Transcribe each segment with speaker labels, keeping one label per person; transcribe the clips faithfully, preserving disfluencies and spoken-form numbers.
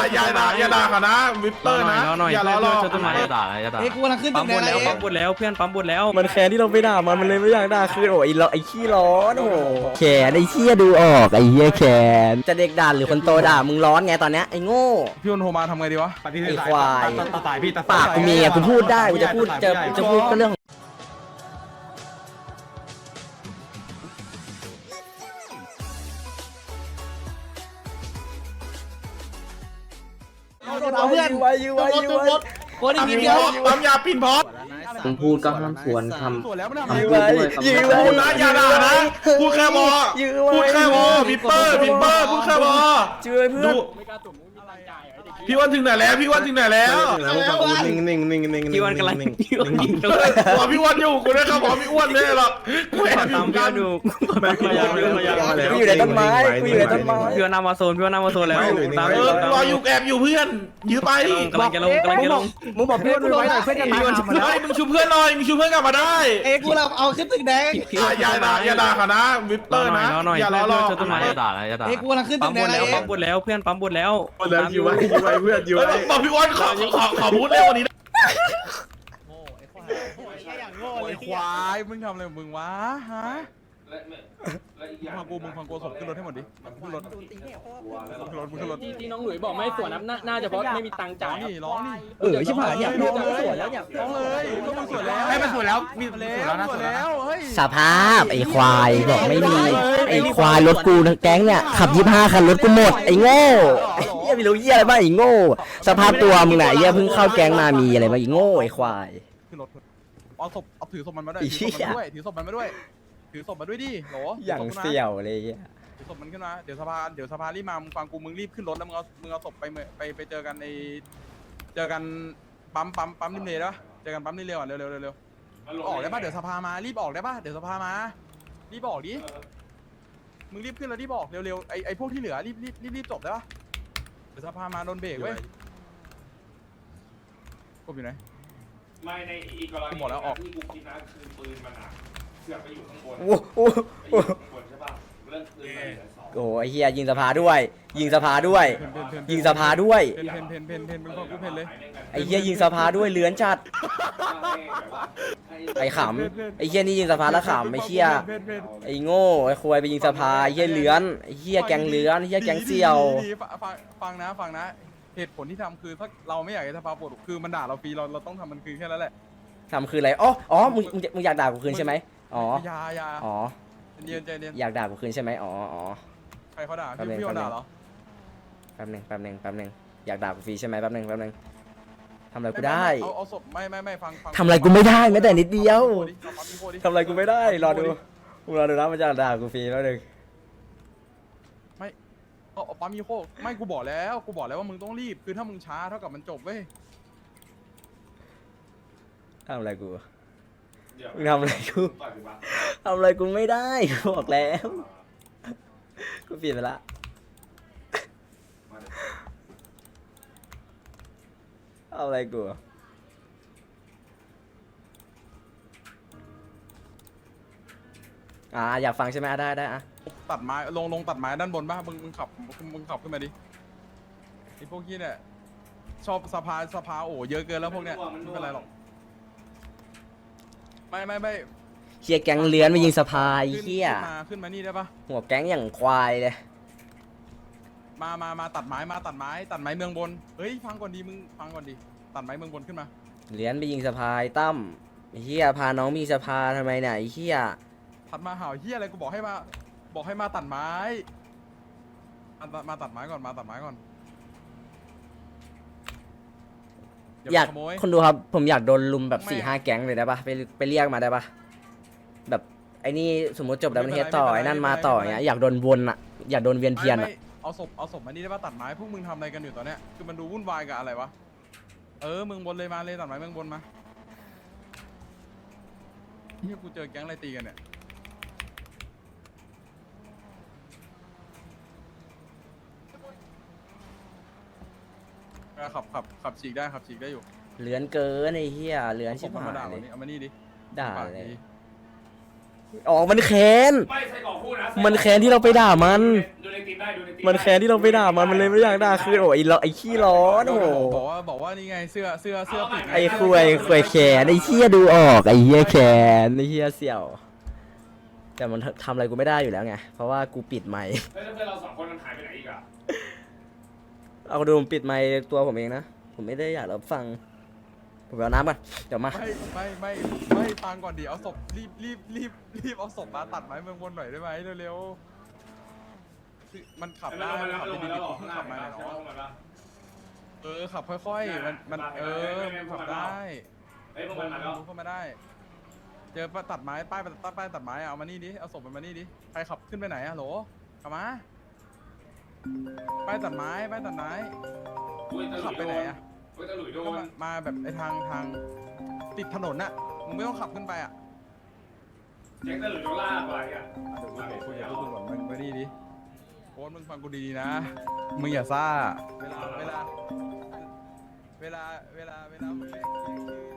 Speaker 1: อย่าด่าอย่าด่าเขานะวิปเปอร์นะอย่าล้อหลอก
Speaker 2: อย่าด่าอย่าด่า
Speaker 3: เอ้กูกำลังขึ้น
Speaker 2: ปั๊
Speaker 3: ตึ
Speaker 2: ม
Speaker 3: ก
Speaker 2: บ
Speaker 3: แด
Speaker 2: น
Speaker 3: ง
Speaker 2: แล้ว
Speaker 3: เอ
Speaker 2: ปั๊มบนแล้วเพื่อนปั๊มบนแล้ว
Speaker 4: มันแค้นที่เราไปด่ามันมันเลยไม่อยากด่าคืนโอ้ยไอ้ไอ้ขี้ร้อนโอ้แขนไอ้เหี้ยดูออกไอ้เหี้ยแขนจะเด็กด่าหรือคนโตด่ามึงร้อนไงตอนเนี้ยไอ้โง่
Speaker 5: พี่วันโทรมาทำไงดีวะ
Speaker 4: ไอ้ควาย
Speaker 1: ตัดสายพี่ตัด
Speaker 4: ปากกูมีอ่ะกูพูดได้กูจะพูดจะจะพูดก็เรื่อง
Speaker 3: เอาเพื่อน
Speaker 4: ไว้ยื้อไว้ยื้อไว้
Speaker 3: โคตรอีกนิดเดียว
Speaker 1: ปั๊มยาปินพอ
Speaker 2: มึงพูดก็ห้ามสวนคำ
Speaker 5: สวนแล้วมันทำ
Speaker 4: ยื้อไว้ยื้อไว้
Speaker 1: พูดนะอย่าด่านะพูดแค่บอ
Speaker 4: ยื้อไว้
Speaker 1: พูดแค่บอวิปเปอร์วิปเปอร์พูดแค่บอ
Speaker 4: ยื้อไว้เพื่อน
Speaker 1: พี่วันถึงไหนแล้วพี่วันถึงไหนแล้ว
Speaker 6: นิ่งนิ่งนิ่งนิ่ง
Speaker 2: พี่วันกำลังพี่วันกิน
Speaker 1: เฮ้ยบอกพี่วันอยู่กูได้ครับบอกพี่อ้วนเลยหรอกกูแอบอ
Speaker 2: ตาม
Speaker 1: ยู่
Speaker 2: พี่
Speaker 1: กั
Speaker 2: วัน นดู
Speaker 4: กูอยู่ในต้นไม้กูอยู่ในต้นไม้
Speaker 2: พี่วันนำมาโซนพี่วันนำมาโซนแล้วตาม
Speaker 1: เออรออยู่แอบอยู่เพื่อนยื้อไป
Speaker 2: กำลังจะลงกำลังจะลง
Speaker 4: มึงบอกเพื่อนไว้หน่อยเพื่อนจะตาย
Speaker 1: เฮ้ยมึงชูเพื่อนหน่อยมึงชูเพื่อนกลับมาได้
Speaker 3: เอ้กูเราเอาขึ้นตึกแดง
Speaker 1: อย่าอย่าด่าอย่าด่าเขานะวิปเปอร์นะอย่าล้อหลอก
Speaker 2: อย่าด่าอย่าด่า
Speaker 3: เอ้กูกำลังขึ้นตึ
Speaker 2: ปั๊ม
Speaker 3: กแด
Speaker 2: บ
Speaker 3: ง
Speaker 2: นแล้ว
Speaker 3: เอ้
Speaker 2: ปั๊มบนแล้วเพื่อนปั๊มบนแล้ว
Speaker 6: อยู่ไว้อยู่ไว้เพื่อนอยู่
Speaker 1: เฮ้ย
Speaker 6: ไว้
Speaker 1: บอกพี่อ้วนขอขอขอพูดเร็วกว่านี้
Speaker 5: โอ้ยควายมึงทำอะไรของมึงวะฮะฟังกูมึงฟังกูศพขึ้นรถให้หมดดิขึ้นรถขึ้นรถมึงขึ้นรถ
Speaker 7: ที่ที่น้องหลุยบอกไม่ส่วนนะน่าจะเพราะไม่มีตังค์
Speaker 5: ร้
Speaker 7: จ่า
Speaker 5: อย งนี่ร้องนี่
Speaker 3: เออชิบหายอยาก
Speaker 5: ร้
Speaker 3: รู้
Speaker 5: อง
Speaker 3: จัง
Speaker 5: เลย
Speaker 3: สวยแล้วอยาก
Speaker 5: ร้องเลยก็มึงสวยแล้ว
Speaker 1: ให้มันสวยแล้วมี
Speaker 5: สวยแล้วสวยแล้วเฮ้ย
Speaker 4: สภาพไอ้ควายบอกไม่มีไอ้ควายรถกูทั้งแก๊งเนี่ยขับยี่ห้าคันรถกูหมดไอ้โง่ไอ้เหี้ยไม่รู้เหี้ยอะไรบ้างไอ้โง่สภาพตัวมึงไหนเหี้ยเพิ่งเข้าแก๊งมามีอะไรบ้างไอ้โง่ไอ้ควาย
Speaker 5: ขึ้นรถเอาศพเอาถือศพมันมาด้วยถือศพมันด้วยถือศพมันมาด้วยถือศพมาด้วยดิโห
Speaker 4: อย่างเสี่ยวเลยเหี้ย
Speaker 5: ถือศพมันขึ้นมาเดี๋ยวสภาเดี๋ยวสภารีบมามึงฟังกูมึงรีบขึ้นรถแล้วมึงเอามึงเอาศพไปไปไปเจอกันในเจอกันปั๊มปั๊มปั๊มริมเลนะเจอกันปั๊มริมเลก่อนเร็วเร็วเร็วเร็วออกได้ป่ะเดี๋ยวสภามารีบออกได้ป่ะเดี๋ยวสภามารีบออกดิมึงรีบขึ้นแล้วรีบออกเร็วๆไอไอพวกที่เหลือรีบรีบรีบรีบจบได้ป่ะเดี๋ยวสภามาโดนเบรกเว้ยกบอยู่ไหน
Speaker 1: ไม่ในอีกกรณี
Speaker 5: หมดแล้วออก
Speaker 1: ที่กูคิดนะคือปืนมันอ่ะเสือกไปอยู่ข้างบน
Speaker 4: โอ้โห
Speaker 1: ไปอยู่ข้างบนใช่ป่ะเรื่องปืนมันเหลือสอง
Speaker 4: โอ้โหไอ้เหี้ยยิงสภาด้วย ยิงสภาด้วย ยิงสภาด้วย
Speaker 5: เพนเพนเพนเพนเพนมึงฟังกูเพนเลย
Speaker 4: ไอ้เหี้ยยิงสภาด้วยเลื้อนจัดไอ้ขำไอ้เหี้ยนี่ยิงสภาแล้วขำไอ้เหี้ยไอ้โง่ไอ้ควายไปยิงสภาไอ้เหี้ยเลื้อนไอ้เหี้ยแกงเลื้อนไอ้เหี้ยแกงเสี่ยว
Speaker 5: ดีๆฟังฟังนะฟังนะเหตุผลที่ทำคือถ้าเราไม่อยากให้สภาปวดคือมันด่าเราฟรีเราเราต้องทำมันคือแค่นั้นแหละ
Speaker 4: ทำคืออะไรอ๋ออ๋อมึงมึงมึงอยากด่ากูคืนใช่ไหมอ๋อ
Speaker 5: อยาอยา
Speaker 4: อ๋อ
Speaker 5: เรียนใจเรียน
Speaker 4: อยากด่ากูคืนใช่ไหมอ๋ออ๋อ
Speaker 5: ใครเขาด่า
Speaker 4: แป๊บนึ
Speaker 5: พี่
Speaker 4: ง
Speaker 5: พี่เขาด่าเหรอ
Speaker 4: แป๊บนึงแป๊บนึงแป๊บนึงอยากด่ากูฟรีใช่ไหมแป๊บนึงแป๊บนึงทำอะไรกูได้
Speaker 5: เอาเอาศพไม่ไม่ไม่ฟังฟัง
Speaker 4: ทำอะไรกูไม่ได้แม้แต่นิดเดียว
Speaker 5: เอาปั๊มอีโคดิ
Speaker 4: ทำอะไรกูไม่ได้รอดูมึงรอดูนะมันจะด่ากูฟรีแล้วหนึ่ง
Speaker 5: เอาเอาปั๊มอีโคไม่กูบอกแล้วกูบอกแล้วว่ามึงต้องรีบคือถ้ามึงช้าเท่ากับมันจบเว้ย
Speaker 4: ทำอะไรกู
Speaker 1: เดี๋ยว
Speaker 4: มึงทำอะไรกู
Speaker 1: ต่อยกูปะ
Speaker 4: ทำอะไรกูไม่ได้กูบอกแล้วกูเปลี่ยนไปละเอาอะไรกูอ่าอยากฟังใช่ไหมอ่ะได้ได้อ่ะ
Speaker 5: ตัดไม้ลงลงตัดไม้ด้านบนป่ะมึงมึงขับมึงขับขึ้นมาดิไอพวกนี้เนี่ยชอบสภาสภาโอ้เยอะเกินแล้วพวกเนี้ยไม่เป็นไรหรอกไม่ไม่ไม่
Speaker 4: เฮียแก๊งเลื้อนมายิงสภาไอ้
Speaker 5: ขึ้น
Speaker 4: เฮีย
Speaker 5: ขึ้นมาขึ้นมานี่ได้ปะ
Speaker 4: หัวแก๊งอย่างควายเลย
Speaker 5: มามามาตัดไม้มาตัดไม้ตัดไม้เมืองบนเฮ้ยฟังก่อนดีมึงฟังก่อนดีตัดไม้เมืองบนขึ้นมา
Speaker 4: เลื้อนไปยิงสภาไอ้ตั้มไอ้เฮียพาน้องมีสภาทำไมเนี่ยไอ้เฮีย
Speaker 5: ถัดมาห่าวเฮียอะไรกูบอกให้มาบอกให้มาตัดไม้มามาตัดไม้ก่อนมาตัดไม้ก่อน
Speaker 4: อยาก
Speaker 5: ขโมย
Speaker 4: คนดูครับผมอยากโดนลุมแบบ
Speaker 5: ไม่
Speaker 4: สี่ห้าแก๊งเลยได้ปะไปไปเรียกมาได้ปะแบบไอ้นี่สมมติจบดับเบิลเฮดต่อไอ้นั่นมาต่ออย่างเงี้ยอยากโดนวนอ่ะอยากโดนเวียนเทียน
Speaker 5: ไม่
Speaker 4: อ่ะ
Speaker 5: ไม่เอาศพเอาศพมานี่ได้ปะตัดไม้พวกมึงทำอะไรกันอยู่ตอนเนี้ยคือมันดูวุ่นวายกับอะไรวะเออมึงบนเลยมาเลยตัดไม้เมืองบนมาเฮียกูเจอแก๊งอะไรตีกันเนี่ยขับขับขับฉีกได้ขับฉีกได้อยู่
Speaker 4: เลื้อนเกินไอ้เฮียเลื้อน
Speaker 5: เอาศ
Speaker 4: ชิ
Speaker 5: พ
Speaker 4: บ
Speaker 5: มัน
Speaker 4: หา
Speaker 5: มาด่าย
Speaker 4: เล
Speaker 5: วัน
Speaker 4: ย
Speaker 5: นี้เอามานี่ดิ
Speaker 4: ด่า
Speaker 5: ปาก
Speaker 4: เลย
Speaker 5: ดี
Speaker 4: อ๋อมันแค้น
Speaker 1: ไม่ใส่กล่องพูดนะ
Speaker 4: มันแค้นที่เราไปด่ามัน
Speaker 1: ดูในทีมได้ดูในทีม
Speaker 4: มันแค้นที่เราไปด่ามันมันเลยไม่อยากด่าคืนโอ้ยไอ้ล้อไอ้ขี้ร้อนโอ้โห
Speaker 5: บอกว่าบอกว่านี่ไงเสื้อเสื้อเสื้อปิด
Speaker 4: ไอ้คุยคุยแขนไอ้เหี้ยดูออกไอ้เหี้ยแขนไอ้เหี้ยเสี่ยว แต่มันทำอะไรกูไม่ได้อยู่แล้วไงเพราะว่ากูปิดไมค์
Speaker 1: เฮ้ยแล้วเพื่อนเราสองคนมันหายไปไหนอีกอะ
Speaker 4: เอาดูผมปิดไมค์ตัวผมเองนะผมไม่ได้อยากรับฟังผมไปเอาน้ำก่อนเดี๋ยวมา
Speaker 5: ไม่ไม่ไม่ไม่ฟังก่อนดิเอาศพรีบรีบรีบรีบเอาศพมาตัดไม้เมืองบนหน่อยได้ไหมเร็วๆคือมันขับได้
Speaker 1: มัน
Speaker 5: ขับ
Speaker 1: ลง
Speaker 5: ดี
Speaker 1: มาแล้ว
Speaker 5: ๆ
Speaker 1: หรอ
Speaker 5: เพิ่ง
Speaker 1: ข้างหน้า
Speaker 5: ขับมา
Speaker 1: มา
Speaker 5: เนาะ
Speaker 1: ลงมาแล้ว
Speaker 5: เออขับค่อยๆมันมันเออมันขับได้
Speaker 1: เฮ้ยพวกมันมาแล้ว
Speaker 5: เข้ามาได้ เจอตัดไม้ป้ายตัดป้ายตัดไม้เอามานี่ดิเอาศพมันมานี่ดิใครขับขึ้นไปไหนอะโหลกลับมาป้ายตัดไม้ป้ายตัดไม้
Speaker 1: อุ้ยตะหลุ
Speaker 5: ขับ
Speaker 1: ย
Speaker 5: ไป
Speaker 1: โด
Speaker 5: ไหน
Speaker 1: น
Speaker 5: อะ
Speaker 1: อุ้ยตะหลุยโด
Speaker 5: ก็
Speaker 1: น
Speaker 5: มามาแบบไอทางทางติดถนนน่ะมึงไม่ต้องขับขึ้นไปอะ
Speaker 1: แจ็คตะหลุยโดนลากไปอ่ะ
Speaker 5: เดี๋ยวกูคุยกับพวกคุณก่อนมึงมานี่ดิโค้ดมึงฟังกูดีๆนะมึงอย่าซ่าเวลาเวลาเวลาเวลาเวลามึงเรียกชื่อชื่อ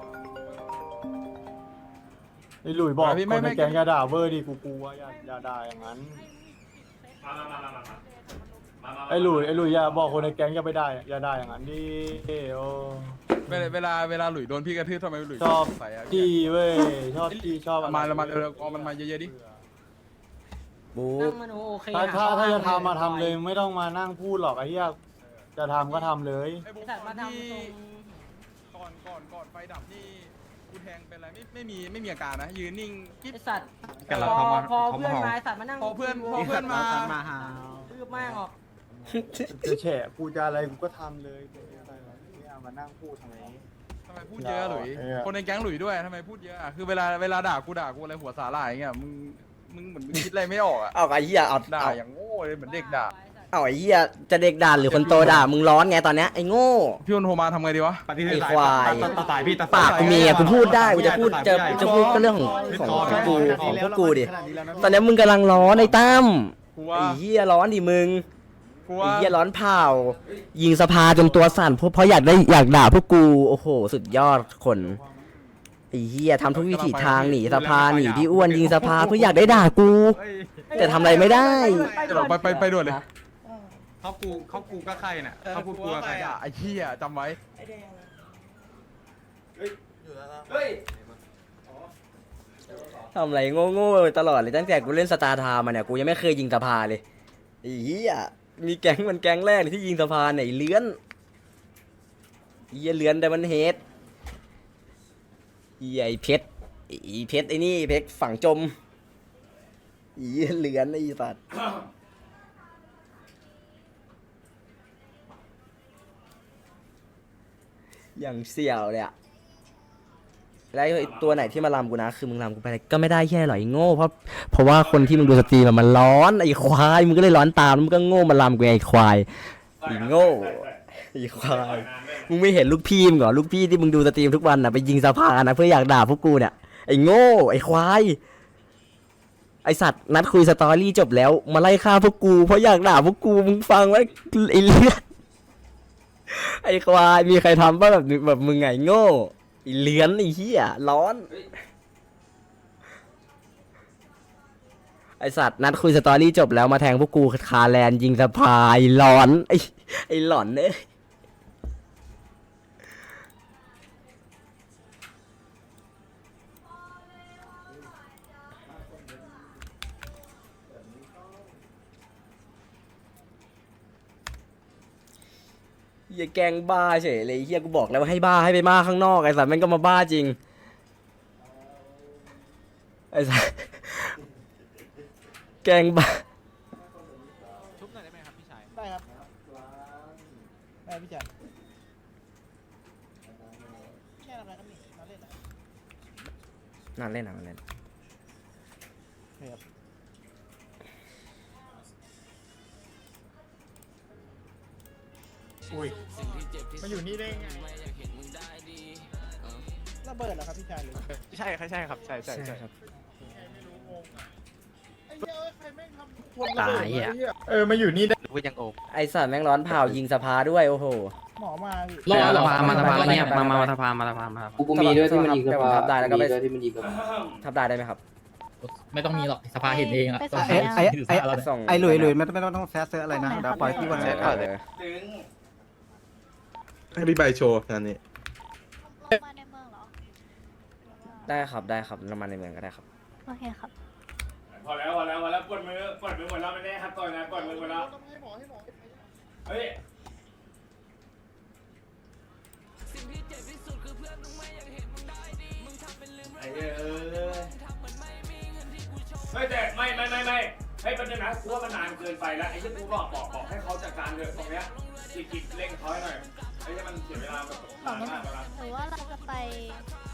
Speaker 5: ชื่อ
Speaker 8: ไอ้หลุยบอก
Speaker 5: พี่
Speaker 8: ค
Speaker 5: ไม่
Speaker 8: น
Speaker 5: ไม่
Speaker 8: ในแก๊งอย่าด่าเวอร์ดิกูกลัวอย่าอย่าด่าอย่างนั้น
Speaker 1: มามามามามามามา
Speaker 8: ไอ้หลุยไอ้หลุยอย่าบอกคนในแก๊งอย่าไปด่าอย่าด่าอย่างนั้นดิโอ้
Speaker 5: เวลาเวลาเวลาหลุยโดนพี่กระทืบทำไมหลุย
Speaker 8: ชอบ
Speaker 5: ใส่อะ
Speaker 8: จี้เว้ยชอบจี้ชอบ
Speaker 5: เอามาเอามาเร็วๆเอามันมาเยอะๆดิ
Speaker 4: บู๊
Speaker 9: นั่งมโนโอเค
Speaker 8: ถ้า
Speaker 9: อะ
Speaker 8: ถ้าถ้าจะทำมาทำเลยไม่ต้องมานั่งพูดหรอกไอ้เหี้ยจะทำก็ทำเลย
Speaker 5: ไอ้
Speaker 9: ไอ้
Speaker 5: บุ๊ค
Speaker 9: สัตว์มาทำ
Speaker 5: ที่
Speaker 9: ตรง
Speaker 5: ก่อนก่อนก่อนไฟดับนี่กูแทงเป็นไรไม่ไม่มีไม่มีอาการนะยืนนิ่งกิ๊บ
Speaker 9: ไอ้สัตว์
Speaker 5: กำลัง
Speaker 9: พอ
Speaker 5: เข้ามา
Speaker 9: พอ
Speaker 5: เข้ามา
Speaker 9: เพื่อนมาไอ้สัตว์มานั่ง
Speaker 5: พอเพื่อนพอเพื่อนมา
Speaker 9: รืบแม่งออก
Speaker 8: จะแฉะกูจะอะไรกูก็ทำเลยไม่เอามานั่งพูดทำไม
Speaker 5: ทำไมพูดเยอะหลุย
Speaker 8: เออ
Speaker 5: คนในแก๊งหลุยด้วยทำไมพูดเยอะอะคือเวลาเวลาด่ากูด่ากูอะไรหัวสาหร่ายอย่างเงี้ยมึงมึงเหมือนมึงคิดอะไรไม่ออกอะ
Speaker 4: เอาไอ้เหี้ยเอา
Speaker 5: ด่า
Speaker 4: เอา
Speaker 5: อย่างโง่เลยเหมือนเด็กด่า
Speaker 4: เอาไอ้เหี้ยจะเด็กด่าหรือคนโตด่ามึงร้อนไงตอนเนี้ยไอ้โง่
Speaker 5: พี่อนโทรมาทำไงดีวะ
Speaker 4: ไอ้ควายปากกูมีอะกูพูดได้กูจะพูดจะจะพูดก็เรื่องของของของกูของพวกกูดิตอนเนี้ยมึงกำลังร้อนไอ้ตั้ม
Speaker 5: กูว่า
Speaker 4: ไอ้เหี้ยร้อนดิมึง
Speaker 5: กู
Speaker 4: ไอ้
Speaker 5: ว่า
Speaker 4: เหี้ยร้อนเผายิงสภาจนตัวสั่นเพราะเพราะอยากได้อยากด่าพวกกูโอ้โหสุดยอดคนไอ้เหี้ยทำทุกวิถีทางหนีสภาหนีพี่อ้วนยิงสภาเพื่ออยากได้ด่ากู แต่ทำอะไรไม่ได้
Speaker 5: เดี๋ยวไปไปไปด่วนเลย
Speaker 6: เขากูเขากูก็ใครน่ะเขาพูดกูก็ใคร
Speaker 5: ด่าไอ้เหี้ยจำไว้
Speaker 4: ทำอะไรโง่ๆตลอดเลยตั้งแต่กูเล่นสตาร์ทามาเนี่ยกูยังไม่เคยยิงสภาเลยไอ้เหี้ยมีแก๊งมันแก๊งแรกที่ยิงสภาไหนเลื้อนไอ้เหี้ยเลื้อนแต่มันเฮดไอ้ไอ้เพชรไอ้เพชรไอ้นี่เพชรฝังจมไอ้เหี้ยเลื้อนไอ้สัตว์อย่างเสี่ยวเลยอะแล้วไอ้ตัวไหนที่มาลำกูนะคือมึงลำกูไปก็ไม่ได้แค่หรอกไอ้โง่เพราะเพราะว่าคนที่มึงดูสตรีมอะมันร้อนไอ้ควายมึงก็เลยร้อนตามแล้วมึงก็โง่มาลำกูไอ้ควายไอ้โง่ไอ้ควายมึงไม่เห็นลูกพี่มึงเหรอลูกพี่ที่มึงดูสตรีมทุกวันน่ะไปยิงสภานะเพื่ออยากด่าพวกกูเนี่ยไอ้โง่ไอ้ควายไอสัตว์นัดคุยสตอรี่จบแล้วมาไล่ฆ่าพวกกูเพราะอยากด่าพวกกูมึงฟังไว้ไอ้เลือดไอ้ควายมีใครทำป่ะแบบแบบมึงไงโง่ไอ้เลื้อนไอ้เหี้ยร้อนไอสัตว์นัดคุยสตอรี่จบแล้วมาแทงพวกกูคาแลนยิงสะพายร้อนไอไอหลอนเอ้ยเฮียแกงบ้าเฉยเลยเฮียกูบอกแล้วว่าให้บ้าให้ไปบ้าข้างนอกไอสัตว์แม่งก็มาบ้าจริงไอสัตว์แกงบ้า
Speaker 3: ชุบหน่อยได้ไหมครับพี่ชายได้ครับได้พี่ชายแค่ทำอะไรกันนี่เราเล่นอะ
Speaker 4: นั่นเล่นนั่นเล่น
Speaker 3: ครับ
Speaker 8: มาอยู่นี่ได้ไง
Speaker 3: ระเบิดเหรอครับพี่ชายหรือ
Speaker 6: ใช่ใช่ครับใช่ใช่ใช่
Speaker 4: ครับ
Speaker 8: ตายอ่ะเออมาอยู่นี่ได้
Speaker 4: ไอสัตว์แม่งร้อนเผายิงสภาด้วยโอ้โห
Speaker 3: หมอมาพี่
Speaker 2: รอเหรอ
Speaker 4: มามาสภาเงียบมามา
Speaker 2: สภามาสภามาสภา
Speaker 4: กูมีด้วยที่มันยิงสภาทับได้แล้วก็ไปทับได้ได้ไหมครับ
Speaker 7: ไม่ต้องมีหรอกสภาเห็นเองอะ
Speaker 8: ไอ้ไอ้ไอ้ไอ้หลุยหลุยไม่ต้องไม่ต้องแซะเซออะไรนะเดี๋ยวปล่อยที่วันนี้
Speaker 1: ให้พี่ใบโชว์งานนี้
Speaker 10: มาในเมืองเหรอ
Speaker 4: ได้ครับได้ครับน้ำมันในเมืองก็ได้ครับ
Speaker 10: โอเคครับ
Speaker 7: พอแล้วพอแล้วพอแล้วกดมือกดมือหมดแล้วไม่ได้ครับต่อยนะกดมือหมดแล้วเฮ้ย ไอ้เอ้ยเฮ้ยแต่ไม่ไม่ไม่ไม่ให้เป็นนะกูว่ามันนานเกินไปแล้วไอ้ที่กูบอกบอกบอกให้เขาจัดการเถอะตรงเนี้ยจิกจิกเร่งเขาให้หน่อยไอ้ที่มันเสียเวลาแบบนานมากแล้วนะ
Speaker 10: หรือว่าเราจะไป